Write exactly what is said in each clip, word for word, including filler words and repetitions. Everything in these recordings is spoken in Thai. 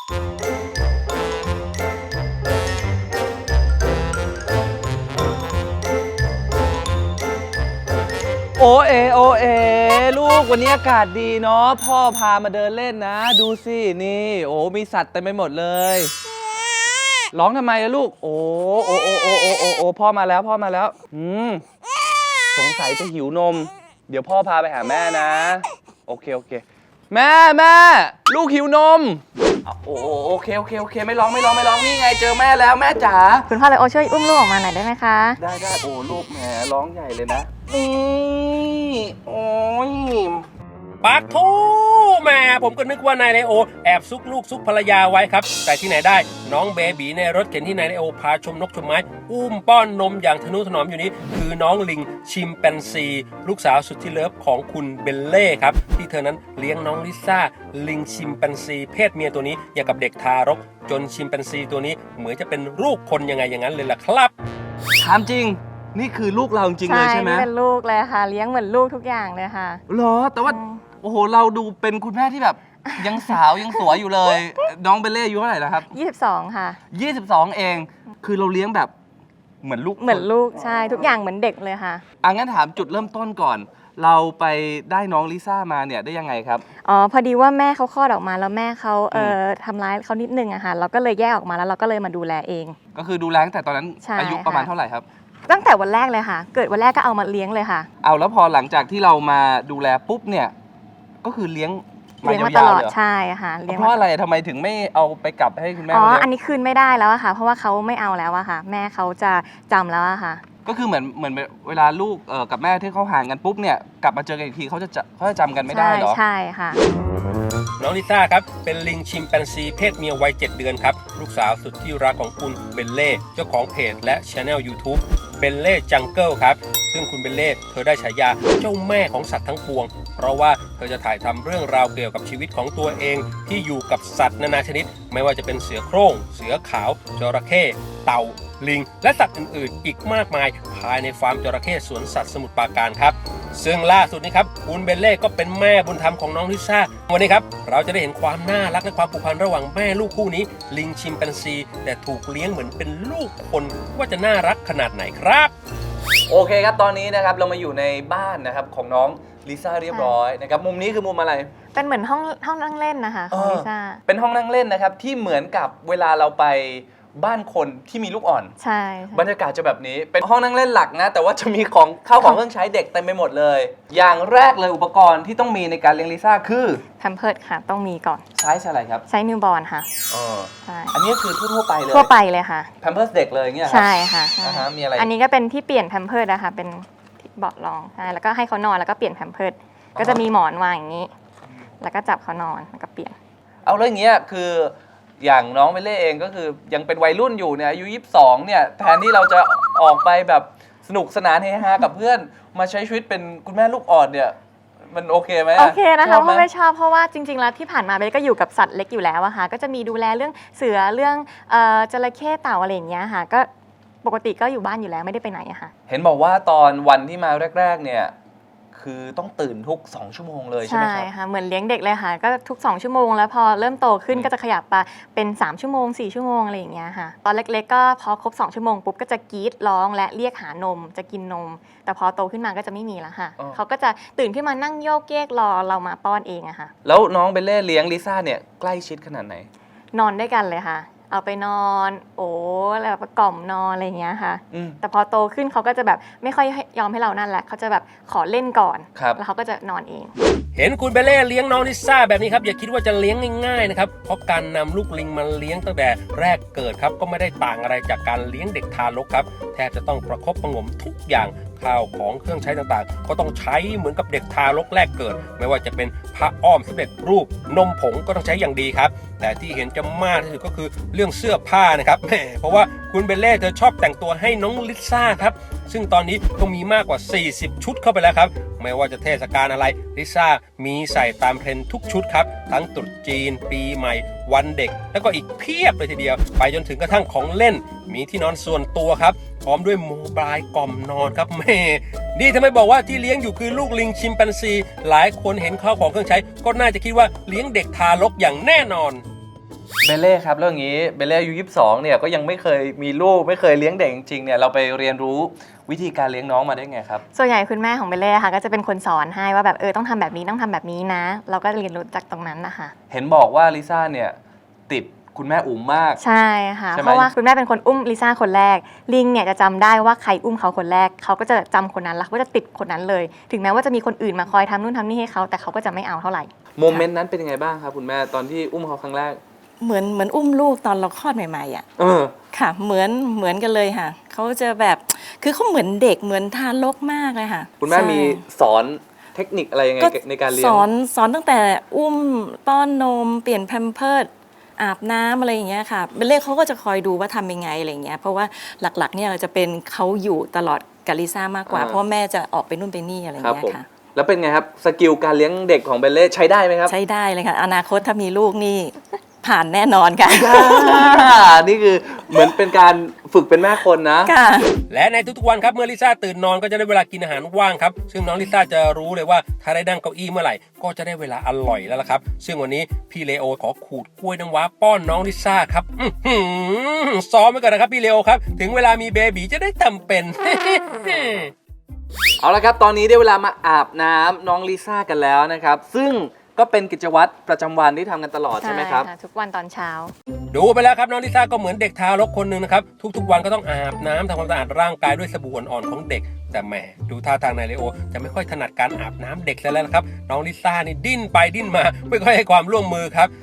โอเอโอเอลูกวันนี้อากาศดีเนาะพ่อพามาเดินเล่นนะดูสินี่โอ้มีสัตว์เต็มไปหมดเลยร้องทำไมอะลูกโอ้โอ้โอ้โอ้โอ้โอ้โอ้พ่อมาแล้วพ่อมาแล้วอืมสงสัยจะหิวนมเดี๋ยวพ่อพาไปหาแม่นะโอเคโอเคแม่แม่ลูกหิวนมโอ้โอเคโอเคโอเคไม่ร้องไม่ร้องไม่ร้องนี่ไงเจอแม่แล้วแม่จ๋าคุณพ่อเลยโอช่วยอุ้มลูกออกมาหน่อยได้ไหมคะได้ได้โอ้ลูกแหมร้องใหญ่เลยนะนี่โอ้ยปักทูแม่ผมก็นึกว่านายไนโอแอบซุกลูกซุกภรรยาไว้ครับแต่ที่ไหนได้น้องเบบีในรถเข็นที่นายไนโอพาชมนกชมไม้อุ้มป้อนนมอย่างทนุถนอมอยู่นี้คือน้องลิงชิมแปนซีลูกสาวสุดที่เลิฟของคุณเบลเล่ครับที่เธอนั้นเลี้ยงน้องลิซ่าลิงชิมแปนซีเพศเมียตัวนี้อย่างกับเด็กทารกจนชิมแปนซีตัวนี้เหมือนจะเป็นลูกคนยังไงอย่างนั้นเลยล่ะครับถามจริงนี่คือลูกเราจริงเลยใช่ไหมใช่เป็นลูกเลยค่ะเลี้ยงเหมือนลูกทุกอย่างเลยค่ะเหรอแต่ว่าโอ้โหเราดูเป็นคุณแม่ที่แบบยังสาวยังสวยอยู่เลยน้องเบลเล่อายุเท่าไหร่แล้วครับยี่สิบสองค่ะยี่สิบสองเองคือเราเลี้ยงแบบเหมือนลูกเหมือนลูกใช่ทุกอย่างเหมือนเด็กเลยค่ะอ่ะงั้นถามจุดเริ่มต้นก่อน เราไปได้น้องลิซ่ามาเนี่ยได้ยังไงครับอ๋อพอดีว่าแม่เขาคลอดออกมาแล้วแม่เขาเอ่อทำร้ายเขานิดนึงอะค่ะเราก็เลยแยกออกมาแล้วเราก็เลยมาดูแลเองก็คือดูแลตั้งแต่ตอนนั้นอายุประมาณเท่าไหร่ครับตั้งแต่วันแรกเลยค่ะเกิดวันแรกก็เอามาเลี้ยงเลยค่ะเอาแล้วพอหลังจากที่เรามาดูแลปุ๊บเนี่ยก็คือเลี้ยงเลี้ยงมาตลอดใช่ค่ะเลี้ยงเพราะอะไรทำไมถึงไม่เอาไปกลับให้คุณแม่อ๋ออันนี้คืนไม่ได้แล้วอะค่ะเพราะว่าเขาไม่เอาแล้วอะค่ะแม่เขาจะจำแล้วอะค่ะก็คือเหมือนเหมือนเวลาลูกกับแม่ที่เขาห่างกันปุ๊บเนี่ยกลับมาเจอกันอีกทีเขาจะเขาจะจำกันไม่ได้เหรอใช่ค่ะน้องลิซ่าครับเป็นลิงชิมแปนซีเพศเมียวัยเจ็ดเดือนครับลูกสาวสุดที่รักของคุณเบลเล่เจ้าของเพจและช anel ยูทูบเบลเล่จังเกิลครับซึ่งคุณเบลเล่เธอได้ฉายาเจ้าแม่ของสัตว์ทั้งปวงเพราะว่าเธอจะถ่ายทำเรื่องราวเกี่ยวกับชีวิตของตัวเองที่อยู่กับสัตว์นานาชนิดไม่ว่าจะเป็นเสือโคร่งเสือขาวจระเข้เต่าลิงและสัตว์อื่นๆอีกมากมายภายในฟาร์มจระเข้สวนสัตว์สมุทรปราการครับซึ่งล่าสุดนี้ครับคุณเบลเล่ก็เป็นแม่บุญธรรมของน้องลิซ่าวันนี้ครับเราจะได้เห็นความน่ารักและความผูกพันระหว่างแม่ลูกคู่นี้ลิงชิมแปนซีแต่ถูกเลี้ยงเหมือนเป็นลูกคนว่าจะน่ารักขนาดไหนครับโอเคครับตอนนี้นะครับเรามาอยู่ในบ้านนะครับของน้องลิซ่าเรียบร้อยนะครับมุมนี้คือมุมอะไรเป็นเหมือนห้องห้องนั่งเล่นนะคะของลิซ่าเป็นห้องนั่งเล่นนะครับที่เหมือนกับเวลาเราไปบ้านคนที่มีลูกอ่อนใช่บรรยากาศจะแบบนี้เป็นห้องนั่งเล่นหลักนะแต่ว่าจะมีของข้าวของเครื่องใช้เด็กเต็มไปหมดเลยอย่างแรกเลยอุปกรณ์ที่ต้องมีในการเลี้ยงลิซ่าคือแพมเพิร์สค่ะต้องมีก่อนใช้อะไรครับใช้นิวบอร์นค่ะอ๋อใช่อันนี้คือทั่วไปเลยทั่วไปเลยค่ะแพมเพิร์สเด็กเลยเงี้ยใช่ค่ะมีอะไรอันนี้ก็เป็นที่เปลี่ยนแพมเพิร์สนะคะเป็นเบาะรองใช่แล้วก็ให้เขานอนแล้วก็เปลี่ยนแพมเพิร์สก็จะมีหมอนวางอย่างนี้แล้วก็จับเขานอนแล้วก็เปลี่ยนเอาเรื่องเงี้ยคืออย่างน้องเบลเล่เองก็คือยังเป็นวัยรุ่นอยู่เนี่ยอายุยี่สิบสองเนี่ยแทนที่เราจะออกไปแบบสนุกสนานเฮฮากับเพื่อนมาใช้ชีวิตเป็นคุณแม่ลูกอ่อนเนี่ยมันโอเคไหมโอเคนะคะเพราะไม่ชอบเพราะว่าจริงๆแล้วที่ผ่านมาเบลก็อยู่กับสัตว์เล็กอยู่แล้วอะค่ะก็จะมีดูแลเรื่องเสือเรื่องจระเข้เต่าอะไรอย่างเงี้ยค่ะก็ปกติก็อยู่บ้านอยู่แล้วไม่ได้ไปไหนอะค่ะเห็นบอกว่าตอนวันที่มาแรกๆเนี่ยคือต้องตื่นทุกสองชั่วโมงเลยใช่ไหมครับใช่ค่ะเหมือนเลี้ยงเด็กเลยค่ะก็ทุกสองชั่วโมงแล้วพอเริ่มโตขึ้นก็จะขยับไปเป็นสามชั่วโมงสี่ชั่วโมงอะไรอย่างเงี้ยค่ะตอนเล็กๆก็พอครบสองชั่วโมงปุ๊บก็จะกรี๊ดร้องและเรียกหานมจะกินนมแต่พอโตขึ้นมาก็จะไม่มีแล้วค่ะเขาก็จะตื่นขึ้นมานั่งโยกเยกรอเรามาป้อนเองอะค่ะแล้วน้องเบลเล่เลี้ยงลิซ่าเนี่ยใกล้ชิดขนาดไหนนอนด้วยกันเลยค่ะเอาไปนอนโอ้แล้วประกล่อมนอนอะไรอย่างเงี้ยค่ะแต่พอโตขึ้นเขาก็จะแบบไม่ค่อยยอมให้เรานั่นแหละเขาจะแบบขอเล่นก่อนแล้วเขาก็จะนอนเองเห็นคุณเบลเล่เลี้ยงน้องลิซ่าแบบนี้ครับอย่าคิดว่าจะเลี้ยงง่ายๆนะครับเพราะการนำลูกลิงมาเลี้ยงตั้งแต่แรกเกิดครับก็ไม่ได้ต่างอะไรจากการเลี้ยงเด็กทารกครับแทบจะต้องประคบประงมทุกอย่างข้าวของเครื่องใช้ต่างๆก็ต้องใช้เหมือนกับเด็กทารกแรกเกิดไม่ว่าจะเป็นผ้าอ้อมสำเร็จรูปนมผงก็ต้องใช้อย่างดีครับแต่ที่เห็นจะมากที่สุดก็คือเรื่องเสื้อผ้านะครับแหมเพราะว่าคุณเบลเล่เธอชอบแต่งตัวให้น้องลิซ่าครับซึ่งตอนนี้ก็มีมากกว่าสี่สิบชุดเข้าไปแล้วครับไม่ว่าจะเทศกาลอะไรลิซ่ามีใส่ตามเทรนด์ทุกชุดครับทั้งตรุษจีนปีใหม่วันเด็กแล้วก็อีกเพียบเลยทีเดียวไปจนถึงกระทั่งของเล่นมีที่นอนส่วนตัวครับพร้อมด้วยโมบายกล่อมนอนครับแม่นี่ทำไมบอกว่าที่เลี้ยงอยู่คือลูกลิงชิมแปนซีหลายคนเห็นข้าวของเครื่องใช้ก็น่าจะคิดว่าเลี้ยงเด็กทารกอย่างแน่นอนเบลเล่ครับแล้วอย่างนี้เบลเล่อายุยี่สิบสองเนี่ยก็ยังไม่เคยมีลูกไม่เคยเลี้ยงเด็กจริงๆเนี่ยเราไปเรียนรู้วิธีการเลี้ยงน้องมาได้ไงครับส่วนใหญ่คุณแม่ของเบลเล่ค่ะก็จะเป็นคนสอนให้ว่าแบบเออต้องทำแบบนี้ต้องทำแบบนี้นะ เราก็เรียนรู้จากตรงนั้นนะคะเห็นบอกว่าลิซ่าเนี่ยติดคุณแม่อุ๋มมากใช่ค่ะเพราะว่าคุณแม่เป็นคนอุ้มลิซ่าคนแรกลิงเนี่ยจะจำได้ว่าใครอุ้มเขาคนแรกเขาก็จะจำคนนั้นแล้วเขาก็จะติดคนนั้นเลยถึงแม้ว่าจะมีคนอื่นมาคอยทำนู่นทำนี่ให้เขาแต่เขาก็จะไม่เอาเท่าไหร่โมเมนต์นั้นเป็นยังไงบ้างครับคุณแม่ตอนที่อุ้มเขาครั้งแรกเหมือนเหมือนอุ้มลูกตอนเราคลอดใหม่ๆอ่ะเออค่ะเหมือนเหมือนกันเลยค่ะเขาจะแบบคือเขาเหมือนเด็กเหมือนทารกมากเลยค่ะคุณแม่มีสอนเทคนิคอะไรยังไงในการเลี้ยงสอนสอนตั้งแต่อุ้มป้อนนมเปลี่ยนแพมเพิร์สอาบน้ำอะไรอย่างเงี้ยค่ะเบลเล่เขาก็จะคอยดูว่าทำยังไงอะไรอย่างเงี้ยเพราะว่าหลักๆเนี่ยจะเป็นเขาอยู่ตลอดกับลิซ่ามากกว่าเพราะแม่จะออกไปนู่นไปนี่อะไรอย่างเงี้ยค่ะแล้วเป็นไงครับสกิลการเลี้ยงเด็กของเบลเล่ใช้ได้ไหมครับใช้ได้เลยค่ะอนาคตถ้ามีลูกนี่ผ่านแน่นอนค่ะนี่คือเหมือนเป็นการฝึกเป็นแม่คนนะค่ะและในทุกๆวันครับเมื่อลิซ่าตื่นนอนก็จะได้เวลากินอาหารว่างครับซึ่งน้องลิซ่าจะรู้เลยว่าถ้าได้นั่งเก้าอี้เมื่อไหร่ก็จะได้เวลาอร่อยแล้วล่ะครับซึ่งวันนี้พี่เลโอขอขูดกล้วยน้ำว้าป้อนน้องลิซ่าครับซ้อมไว้ก่อนนะครับพี่เลโอครับถึงเวลามีเบบีจะได้ทำเป็นเอาละครับตอนนี้ได้เวลามาอาบน้ำน้องลิซ่ากันแล้วนะครับซึ่งก็เป็นกิจวัตรประจำวันที่ทำกันตลอดใช่ไหมครับทุกวันตอนเช้าดูไปแล้วครับน้องลิซ่าก็เหมือนเด็กทารกคนหนึ่งนะครับทุกๆวันก็ต้องอาบน้ำทำความสะอาดร่างกายด้วยสบู่อ่อนๆของเด็กแต่แหมดูท่าทางนายเลโอจะไม่ค่อยถนัดการอาบน้ำเด็กแล้วนะครับน้องลิซ่านี่ดิ้นไปดิ้นมาไม่ค่อยให้ความร่วมมือครับ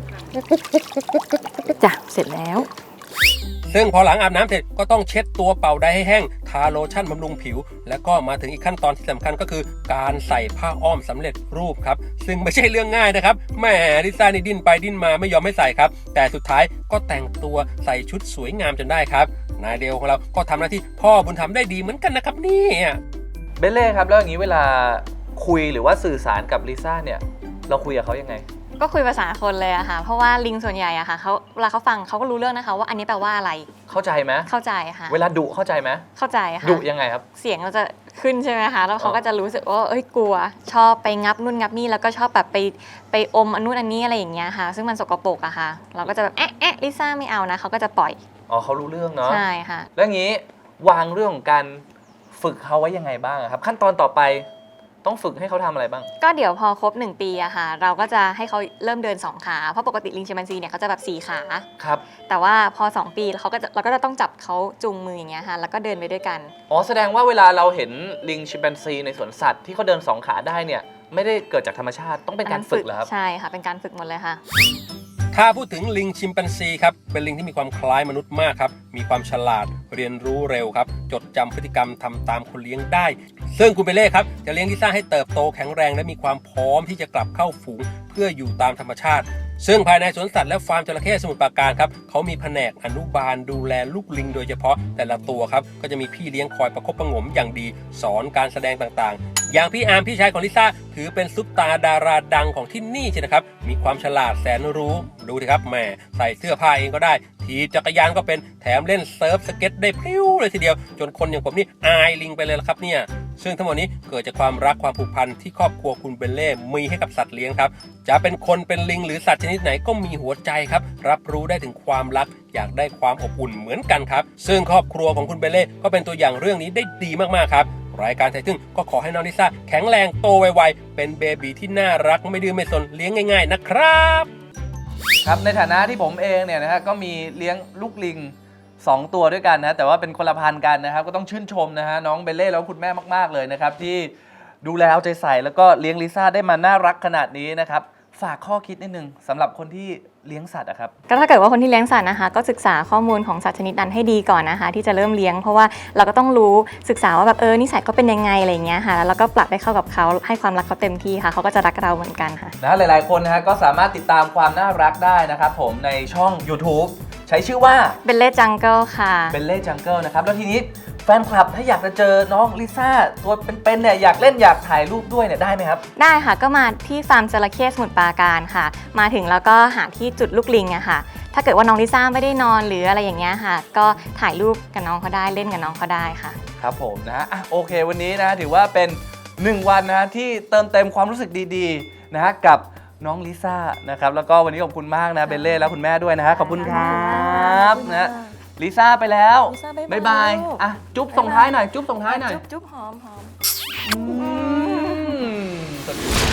จ้ะเสร็จแล้วซึ่งพอหลังอาบน้ำเสร็จก็ต้องเช็ดตัวเป่าไดให้แห้งทาโลชั่นบำรุงผิวแล้วก็มาถึงอีกขั้นตอนที่สำคัญก็คือการใส่ผ้าอ้อมสำเร็จรูปครับซึ่งไม่ใช่เรื่องง่ายนะครับแหมลิซ่านี่ดิ้นไปดิ้นมาไม่ยอมให้ใส่ครับแต่สุดท้ายก็แต่งตัวใส่ชุดสวยงามจนได้ครับนายเดลของเราก็ทำหน้าที่พ่อบุญธรรมได้ดีเหมือนกันนะครับนี่เบลเล่ครับแล้วอย่างนี้เวลาคุยหรือว่าสื่อสารกับลิซ่าเนี่ยเราคุยกับเขายังไงก็คุยภาษาคนเลยอะค่ะเพราะว่าลิงส่วนใหญ่อะค่ะเขาเวลาเขาฟังเขาก็รู้เรื่องนะคะว่าอันนี้แปลว่าอะไรเข้าใจไหมเข้าใจค่ะเวลาดุเข้าใจไหมเข้าใจค่ะดุยังไงครับเสียงเราจะขึ้นใช่ไหมคะแล้วเขาก็จะรู้สึกว่าเอ้ยกลัวชอบไปงับนู่นงับนี่แล้วก็ชอบแบบไปไปอมอันนู่นอันนี้อะไรอย่างเงี้ยค่ะซึ่งมันสกปรกอะค่ะเราก็จะแบบแอะแอะลิซ่าไม่เอานะเขาก็จะปล่อยอ๋อเขารู้เรื่องเนาะใช่ค่ะแล้วอย่างนี้วางเรื่องของการฝึกเขาไว้ยังไงบ้างครับขั้นตอนต่อไปต้องฝึกให้เขาทำอะไรบ้างก็เดี๋ยวพอครบหนึ่งปีอะค่ะเราก็จะให้เขาเริ่มเดินสองขาเพราะปกติลิงชิมแปนซีเนี่ยเขาจะแบบสี่ขาครับแต่ว่าพอสองปีเขาก็จะเราก็จะต้องจับเขาจูงมืออย่างเงี้ยค่ะแล้วก็เดินไปด้วยกันอ๋อแสดงว่าเวลาเราเห็นลิงชิมแปนซีในสวนสัตว์ที่เขาเดินสองขาได้เนี่ยไม่ได้เกิดจากธรรมชาติต้องเป็นการฝึกเหรอครับใช่ค่ะเป็นการฝึกหมดเลยค่ะถ้าพูดถึงลิงชิมแปนซีครับเป็นลิงที่มีความคล้ายมนุษย์มากครับมีความฉลาดเรียนรู้เร็วครับจดจำพฤติกรรมทำตามคนเลี้ยงได้ซึ่งคุณเบเล่ครับจะเลี้ยงลิซ่าให้เติบโตแข็งแรงและมีความพร้อมที่จะกลับเข้าฝูงเพื่ออยู่ตามธรรมชาติซึ่งภายในสวนสัตว์และฟาร์มจระเข้สมุทรปราการครับเขามีแผนกอนุบาลดูแลลูกลิงโดยเฉพาะแต่ละตัวครับก็จะมีพี่เลี้ยงคอยประคบประหงมอย่างดีสอนการแสดงต่างๆอย่างพี่อาร์มพี่ชายของลิซ่าถือเป็นซุปตาดาราดังของที่นี่ใช่ไหมครับมีความฉลาดแสนรู้ดูดิครับแหมใส่เสื้อผ้าเองก็ได้ทีจักรยานก็เป็นแถมเล่นเซิร์ฟสเก็ตได้พริ้วเลยทีเดียวจนคนอย่างผมนี่อายลิงไปเลยละครับเนี่ยซึ่งทั้งหมดนี้เกิดจากความรักความผูกพันที่ครอบครัวคุณเบลเล่มีให้กับสัตว์เลี้ยงครับจะเป็นคนเป็นลิงหรือสัตว์ชนิดไหนก็มีหัวใจครับรับรู้ได้ถึงความรักอยากได้ความอบอุ่นเหมือนกันครับซึ่งครอบครัวของคุณเบลเล่ก็เป็นตัวอย่างเรื่องนี้ได้ดีมากๆครับรายการไทยทึ่งก็ขอให้น้องลิซ่าแข็งแรงโตไวๆเป็นเบบีที่น่ารักไม่ดื้อไม่ซนเลี้ยงง่ายๆนะครับครับในฐานะที่ผมเองเนี่ยนะฮะก็มีเลี้ยงลูกลิงสองตัวด้วยกันนะแต่ว่าเป็นคนละพันธุ์กันนะครับก็ต้องชื่นชมนะฮะน้องเบลเล่แล้วคุณแม่มากๆเลยนะครับที่ดูแลเอาใจใส่แล้วก็เลี้ยงลิซ่าได้มาน่ารักขนาดนี้นะครับฝากข้อคิดนิดนึงสำหรับคนที่เลี้ยงสัตว์อะครับก็ถ้าเกิดว่าคนที่เลี้ยงสัตว์นะคะก็ศึกษาข้อมูลของสัตว์ชนิดนั้นให้ดีก่อนนะคะที่จะเริ่มเลี้ยงเพราะว่าเราก็ต้องรู้ศึกษาว่าแบบเออนิสัยเขาเป็นยังไงอะไรอย่างเงี้ยค่ะแล้วก็ปรับให้เข้ากับเขาให้ความรักเขาเต็มที่ค่ะเขาก็จะรักเราเหมือนกันค่ะนะหลายๆคนนะฮะก็สามารถติดตามความน่ารักได้นะครับผมในช่อง YouTube ใช้ชื่อว่าเบลเล่จังเกิลค่ะเบลเล่จังเกิลนะครับแล้วทีนี้แฟนคลับถ้าอยากจะเจอน้องลิซ่าตัวเป็นๆเนี่ยอยากเล่นอยากถ่ายรูปด้วยเนี่ยได้ไหมครับได้ค่ะก็มาที่ฟาร์มจระเข้สมุทรปราการค่ะมาถึงแล้วก็หาที่จุดลูกลิงอะค่ะถ้าเกิดว่าน้องลิซ่าไม่ได้นอนหรืออะไรอย่างเงี้ยค่ะก็ถ่ายรูปกับน้องเขาได้เล่นกับน้องเขาได้ค่ะครับผมนะฮะโอเควันนี้นะถือว่าเป็นหนึ่งวันนะที่เติมเต็มความรู้สึกดีๆนะฮะกับน้องลิซ่านะครับแล้วก็วันนี้ขอบคุณมากนะเบลเล่แล้วคุณแม่ด้วยนะฮะขอบคุณครับนะลิซ่าไปแล้วลิซ่าบ๊ายบายบ๊ายบายลูกอ่ะจุ๊บส่งท้ายหน่อยจุ๊บส่งท้ายหน่อยจุ๊บจุ๊บหอมหอมอืม